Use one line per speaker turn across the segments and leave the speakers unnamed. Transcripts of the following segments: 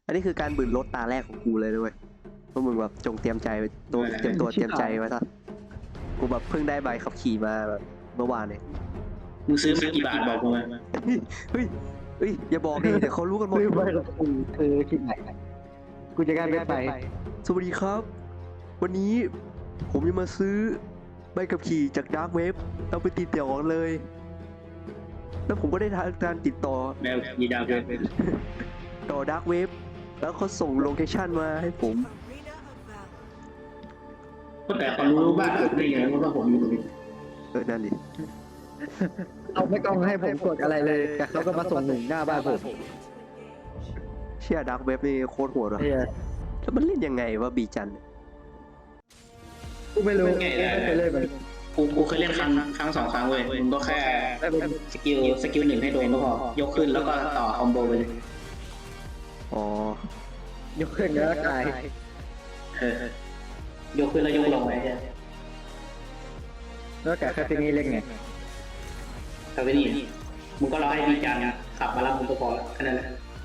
อันนี้คือการบืนรถตาแรกของกูเลยด้วยพวกมึงแบบจงเตรียมใจไว้ตัวเตรียมตัวเตรียมใจไว้ซะกูแบบเพิ่งได้ใบขับขี่มาแบบเมื่อวานเนี่ย
มึงซื้อมากี่บาทบอกกูมา
เฮ้ยเฮ้ยอย่าบอกดิเดี๋ยวเขารู้กันหมด
ซื้อไปกับกูซื้อคลิปไหนกูจะการไป
สวัสดีครับ วันนี้ผมจะมาซื้อใบขับขี่จากดาร์กเว็บเอาไปติดต่อเลย แล้วผมก็ได้ทำการติดต่อ
แมวยีดาวเว็บ
ต่อดาร์กเว็บแล้วเขาส่งโลเคชั่นมาให้ผม
ก็แต่เขารู้บ้านเกิดได้ไงว่าผมอยู่ตรงนี้
นั่นดิ
เอาไม่ต้องให้ผมกดอะไรเลยแต่เขาก็มาส่งหนึ่งหน้าบ้านผม
เชื่อดาร์กเว็บนี่โคตรโหดว่ะ
เฮีย
แล้วมันเล่นยังไงวะบีจัน
กูไม่รู้ไม่เคยเล่นมัน
กูเคยเล่นครั้งสองครั้งเว้ยมึงก็แค่สกิลหนึ่งให้โดนก็พอยกขึ้นแล้วก็ต่อคอมโบไปเลย
อ๋อย
กขึ้นแล้วกาย
ยกขึ้นแล้วยกลงไปใช่
แล้วกายแค่ที่นี่เล่นไง
ทำไปนี่มึงก็รอให้ดีจังขับมารับมึงก็พอแค่นั้นแหละ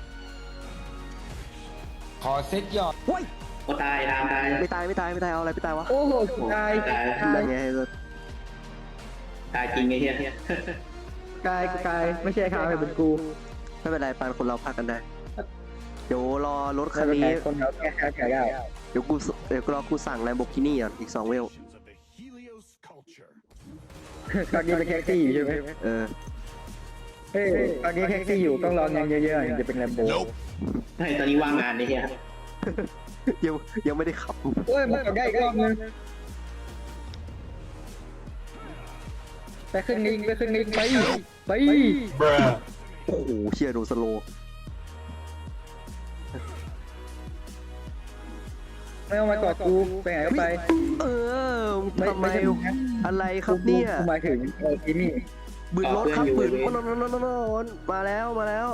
ขอเซ็ตยอด
โอ้ย
ก็ตายตามตาย
ไม่ตายเอาอะไรไปตายวะ
โอ้โหกาย
ได้ไง
ตายจริงไงเฮีย
กายไม่ใช่ข้าวเป็นกู
ไม่เป็นไรปานคนเราพักกันได้เดี๋ยวรอรถคั
แค่
นนี้
คนเขาแก้ได้
เดี๋ยวรอกูสั่งแลมโบกินี่ก่อนอีก2 เวล
ตอนนี้เป็นแท็กซี่อยู่ใช่ไหม
เออ
เฮ้ยตอนนี้แท็กซี่อยู่ต้องรอเงินเยอะๆถึงจะเป็นแลมโบ
ไอ้ตอนนี้ว่างงานเลยเฮีย
ยังไม่ได้ขับ
โอ้ยมันได้อีกรอบนึงไปขึ้นลิงไป
โอ้โหเชียร์โดนสโลว์
ไม่เอามากอดกูไปไหนก็ไป
เออทำไมอะไรครับเนี่ย
หมายถึงที่นี่
บืนรถครับบืนนมาแล้ว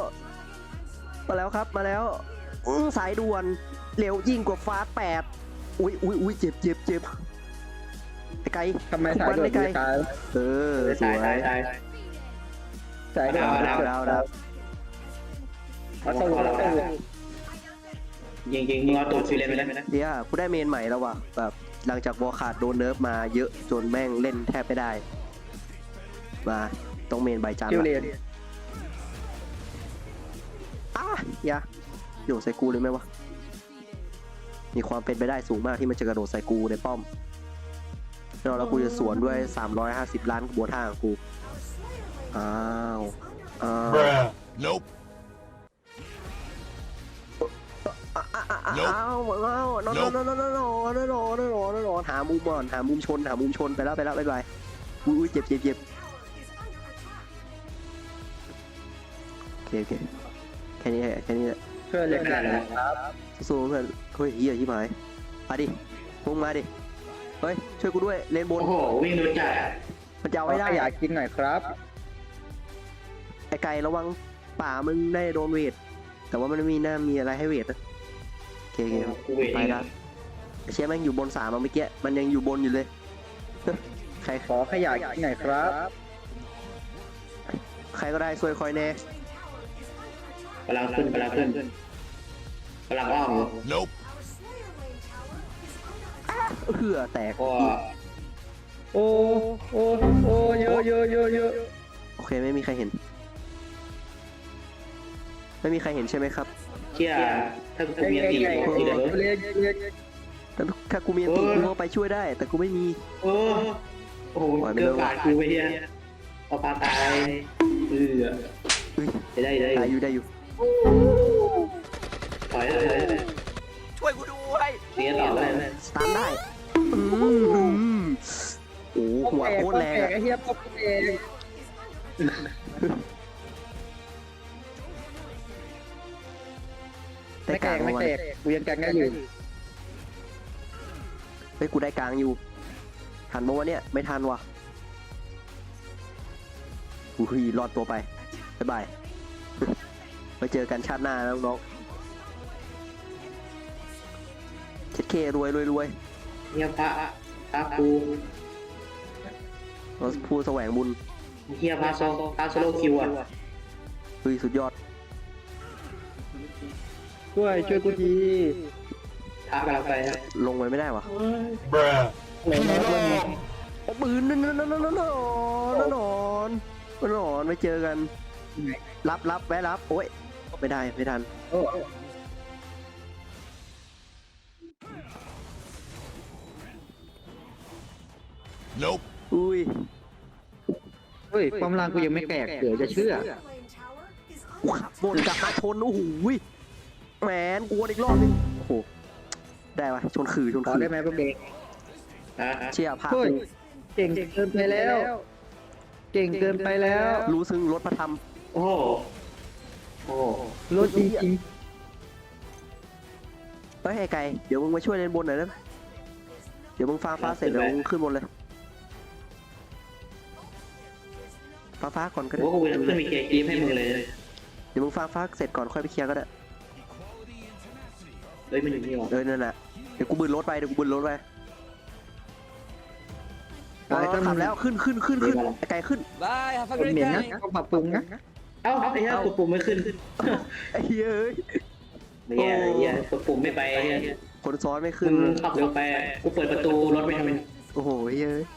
ครับสายด่วนเร็วยิ่งกว่าฟ้า8อุ้ยเจ็บไอ้ไก่
ทำไมสายด่วนตาย
เออสวย
สายด่วน
ดาว
เอาสู้
จริงๆมึงเอาตูดฟิเลนไปแล้วนะ
เดี๋ยวกูได้เมนใหม่แล้วว่ะแบบหลังจากวอลขาดโดนเนิร์ฟมาเยอะจนแม่งเล่นแทบไม่ได้มาต้องเมนใบจาน
คิวเรียน
อย่าโยนใส่กูเลยไหมวะมีความเป็นไปได้สูงมากที่มันจะกระโดดใส่กูในป้อมแล้วกูจะสวนด้วย350 ล้านกระบวนท่าของกูอ้าว
Nope
อ้าวนอนหามุมก่อนหามุมชนไปแล้วบ๊ายบายอุ้ยเจ็บโอเคแค่นี้แหละ
ช่วยเรียนกันนะครับ
สู้เพื่อนเฮ้ยเหี้ยที่หมายมาดิพุ่งมาดิเฮ้ยช่วยกูด้วยเลนบน
โอ้โหวิ่งโดนจัด
มันจะเอาไม่ได้
อยากกินหน่อยครับ
ไอ้ไก่ระวังป่ามึงได้โดนเวทแต่ว่ามันไม่มีอะไรให้เวทนะโอเค
กูเวท
ไปแล้วเชี่ยแม่งอยู่บน3เมื่อกี้มันยังอยู่บนอยู่เลยใคร
ขอขยะกินหน่อยครับ
ก็ได้ช่วยคอยแน่
กำลังขึ้นกำลังอ้อม
Nope
เหือแตก
ก็
โอ้เยอะ
โอเคไม่มีใครเห็นใช่ไหมครับ
เชี่ยถ้ากูมีตีที่เดิม
แต่ถ้ากูมีอันติกูก็ไปช่วยได้ แต่กูไม่มี
โอ้โหเกินปาดกูไปเฮียเอาปลาตาย
เฮ้ย
ได้
ได้อยู่
ถอย
ช่วยกูด้วย
เสียต่อเลย
สตาร์ทได้โอ้หัวโคตรแรงอะ
ไอ้เหี้ยป๊อปเอง
ได้กลาง
ไม่
วัน
แตกกูยังกันได้อยู่
เฮ้ยกูได้กลางอยู่ทันปะวะเนี่ยไม่ทันว่ะอุ้ยรอดตัวไปบ๊ายบายไปเจอกันชาติหน้าแล้วน้องเช็ดเครวย
เฮียพระกู
เราผู้แสวงบุญ
เฮียพระโซโลคิวอ่ะ
เฮ้ยสุดยอด
ช่วยกูที
ท้ากำลังไปนะ
ลงไปไม่ได้วะ
Bruh.
ไหนน้องมัน
โอ้ปืนนั่นไม่เจอกัน รับแวะรับโอ้ยไม่ได้ไม่ทัน
โอ้
Nope.
อุ้ย
เฮ้ยความรังกูยังไม่แตกเดี๋ยวจะเชื่อ
กูขับบนกลับมาชนโอ้โหแหมนกวนอีกรอบนึงโอ้โหได้ปะชนขื่อ
ขอได้ไหมพวกเด็ก
เชี่ยพา
เฮ้ย
กู
เก่งเกินไปแล้ว เก่งเกินไปแล้ว
รู้ซึ้งรถพระธรรม
โอ้โหโอ้โห
รถจริง
เฮ้ยไอ้ไก่เดี๋ยวมึงมาช่วยเล่นบนหน่อยนะเดี๋ยวมึงฟ้าเสร็จเดี๋ยวมึงขึ้นบนเลยฟ้าก่อนก็ได้
โอ้โหกูจะขึ้นมีเกียร์กรีมให้มึงเลย
เดี๋ยวมึงฟ้าเสร็จก่อนค่อยไปเคลียร์ก็ได้
เฮ้ยมันอยู่นี่หรอ
นั่นแหละเดี๋ยวกูบืนรถไป
ๆ
ไอ้ขับแล้วขึ้นไอ้ไก่ขึ้น
Bye, have a
คน
great
เหม็นนะ
day.
ต้องปรับปรุงนะ
เอ้าไอ้เหี้ยกดปุ่มไม่ขึ้น
ไอ้เหี้ยเอ้ย
ไอ้เหี้ยกดปุ่มไม่ไปไอ้เหี้ย
คนซ้อนไม่ขึ้น
มึงขับเร็วไปกูเปิดประตูรถไม่ทำไม
โอ้โหเฮ้ย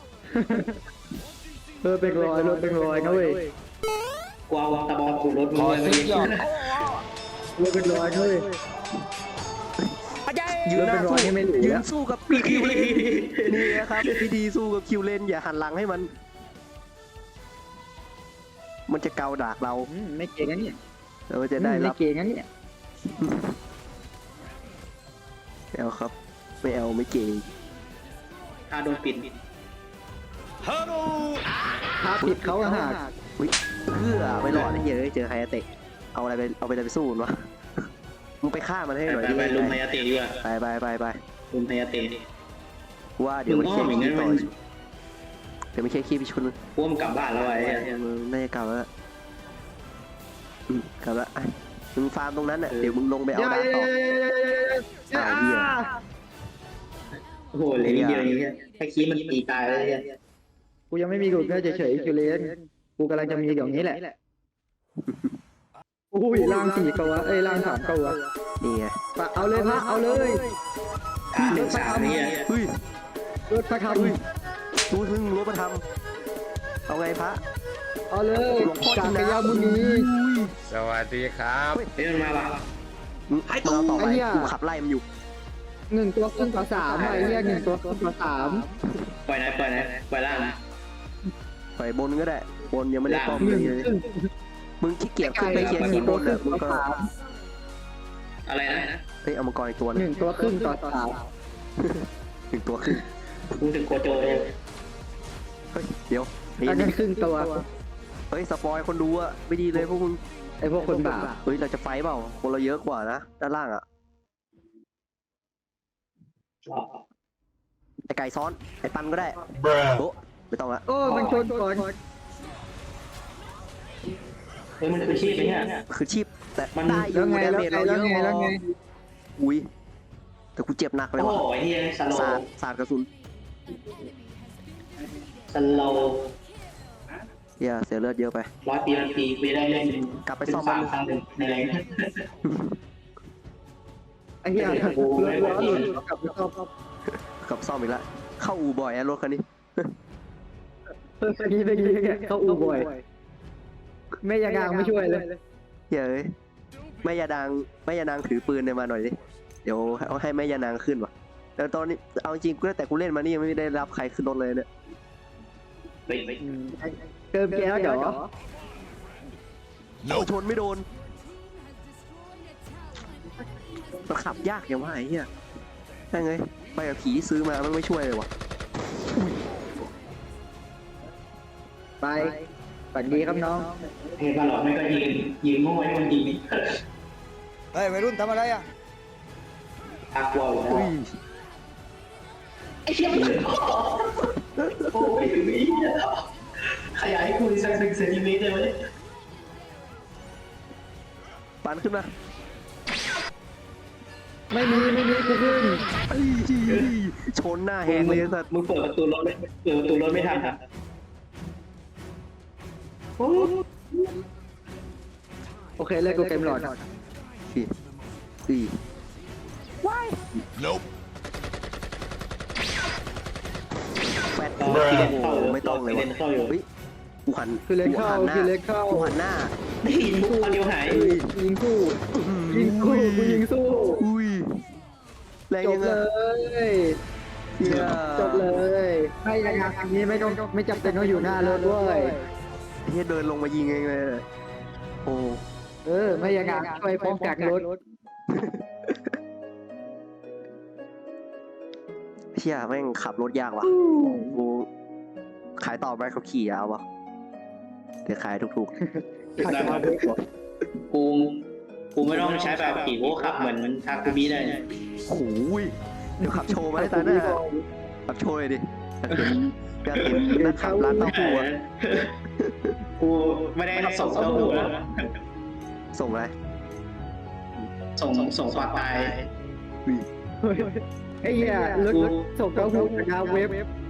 เป็นรอยรถเป็นรอยนะเว้ย
กูเอาตะบองขูดรถมึง
ขอ
เลย
เซ็ตยอด
รถเป็นรอยนะเว้ย
ยืนหน้า
เป็นร
สู้
อยนี่ไม่เหลือ
ยืนสู้กับคิวเลนนี่นะครับวิธีสู้กับคิวเลนอย่าหันหลังให้มัน มันจะเกาดากเรา
ไม่เก่งงั้นเนี่ย
แล้วมันจะได้
ไม่
รับ
เก่งงั้นเนี่ย
ไม่เอาครับไม่เอาไม่เก่ง
ถ้าโดนปิด
พาผิดเขาอะฮะ
อุ๊ยเพื่อไม่รอดไอ้เหี้ยเอ้ยเจอไฮอาเตะเอาอะไรไปสู้มันวะมึงไปฆ่ามันให้หน่อยดิ
ไปลุมไฮยาเตะดีกว่า
ไป
ลุมไฮยาเตะ
ว่าเดี๋ยวไม่เคลียร์
มึงอ้อมอย่างนั้
คี
น
ต่อ
มัน
เดี๋ยวไม่เคลียร์คีไปชน
กูว่ามันกลับบ้านแล้วไอ้เหี้ย
มึงน่าจะกลับแล้วล่ะกลับแล้วอ่ะมึงฟาร์มตรงนั้นน่ะเดี๋ยวมึงลงไปเอาดาบต่อ
โอ้โหเลยนิดเดียวอย่างเงี้ยแค่คีมันตีตายเลยเนี่ย
กูยังไม่มีกูแค่เฉยๆคิวเลนกูกำลังจะมีอย่างนี้แหละอุ้ยล่าง4ตัวล่าง3ตัว
นี่ไง
ปะเอาเลยพระเอาเลย
1-3เนี่ย
เฮ้ย
รถพระค
รู้ซึ่งรู้มาทำเอาไงพระ
ำเอาเลยจากกระยามุนี
สวัสดีครับ
เฮ้ยมันมาว่ะ
มึงเอาต่อไป
ไอ้เหี้ย
กูขับไล่มันอยู่
1 ตัวครึ่งต่อ3ไอ้เหี้ย1 ตัวครึ่งต่อ
ปล่อยล่าง
ปล่อยบนก็ได้บนยังไม่ได้ป้อม
3
เลย
1ครึ่ง
มึงขี้เกียจขึ้นไปเคลียร์คีย์บนอ่ะมึงก็
อะไรนะ
เฮ้ยเอามังกรอีกตัวนึง
1 ตัวครึ่งต่อ
ถึงตัวขึ้น
กูถึงโกโจเลย
เฮ้ยเดี๋ยว
3อันนั้นครึ่งตัว
เฮ้ยสปอยคนดูอ่ะไม่ดีเลยพวกมึง
ไอ้พวกคนบาป
เฮ้ยเราจะไฟเปล่าคนเราเยอะกว่านะด้านล่างอ่ะไอไก่ซ้อนไอปันก็ได้
Bruh.
โอ้ไม่ต้องละ
โอ้มันชนก่อน
เฮ้ยมันคือชีพไหมเนี่ย
คือชีพแต่
มัน
ได้อ
แล้
ยู่
วไง
ดา
แล้ว
เมจ
ไง
เราเย
แล้ว
อะ
ไงแล้วไง
อุ้ยแต่กูเจ็บหนักเลย
โอ้
ว่ะ
โหไอ้เหี้ยสโล
สาดกระสุน
สโล
เฮียเสียเลือดเยอะไป
100 ปีพันปีกูจะได้เล่น
กลับไปซ่อม
3
มัน
ครั้งหนึ่งในแรง
ไอ้เหี้ยรถล้อหลุดกลับไปซ่อม
กลับซ่อมอีกแล้วเข้าอู่บ่อยอะรถคันนี้
ไปดีเขาอู่บ่อยแม่ยางไม่ช่วยเลย
เฮียเอ้ยแม่ยานางถือปืนเนี่ยมาหน่อยดิเดี๋ยวเอาให้แม่ยานางขึ้นว่ะแต่ตอนนี้เอาจริงกูแต่กูเล่นมานี่ยังไม่ได้รับใครขึ้นรถเลยเนี่ย
เฮ้ย
เติมแก้วเดี๋ยว
เอาชนไม่โดนมันขับยากอย่างว่าไอ้เหี้ยได้ไงไปกับผีซื้อมามันไม่ช่วยเลยว่ะ
ไปฝันดีครับน้อง
เฮ้ยมาหลอกไม่ก็ยิงโง่ให้มันยิง
เฮ้ยวัยรุ่นทำอะไรอ่ะ
ตากลัวอยู่
อุ้ย
ไอ้เชี่ยมันถึงโอ้ยถึงนี้ขยายให้คุณสัก1 เซนติเมตรได้ไหม
ปันขึ้นมา
ไม่มีกูขึ้น
เอ้ยชนหน้าแหกเลยสัตว์
มึงเปิดประตูรถไม่ทันครับ
โอเคเลยกูเกมหลอด
อี
Nope.
แฟด
เรา
โอ้
เล่น
โห
เข้าอยู่
ไม่ต้องเลย
เล่
วะ
นเข้าอยู่
เฮ้ยกูหัน
คือเล็กเข้า
กูหันหน้า
คือเล็กเข้า
กูหันหน้า
ยิงคู่เดียวหาย
ยิงคู่ยิงคู่กูยิงสู้
อุ้ยแรง
จ
ยั
บ
ง
เล
ไง
ย
เหี้ย
จบเลยไม่ยังไงอันนี้ไม่จำเป็นต้องอยู่หน้ารถด้วย
เฮียเดินลงมายิงเองเลยโอ้
ไม่ยังไงช่วยป้องกันรถ
เฮียแม่งขับรถยากว่ะกูขายต่อไปเขาขี่เอาวะเดี๋ยวขายถูก
ได้ครับกูไม่ต้องใช้แบบขี่กูขับเหมือนทาคุมิได้
ๆโอ้ยเดี๋ยวขับโชว์มาให้ตาหน้าขับโชว์เลยดิอยากเห็นนักขับร้านเต้าหู้อะ
กูไม่ได้ส่งเต้าหู้แล้ว
ส่งอะไร
ส่งปลาตาย
ไอ้เหี้ยรถส่งเข้าหูนะเว็บ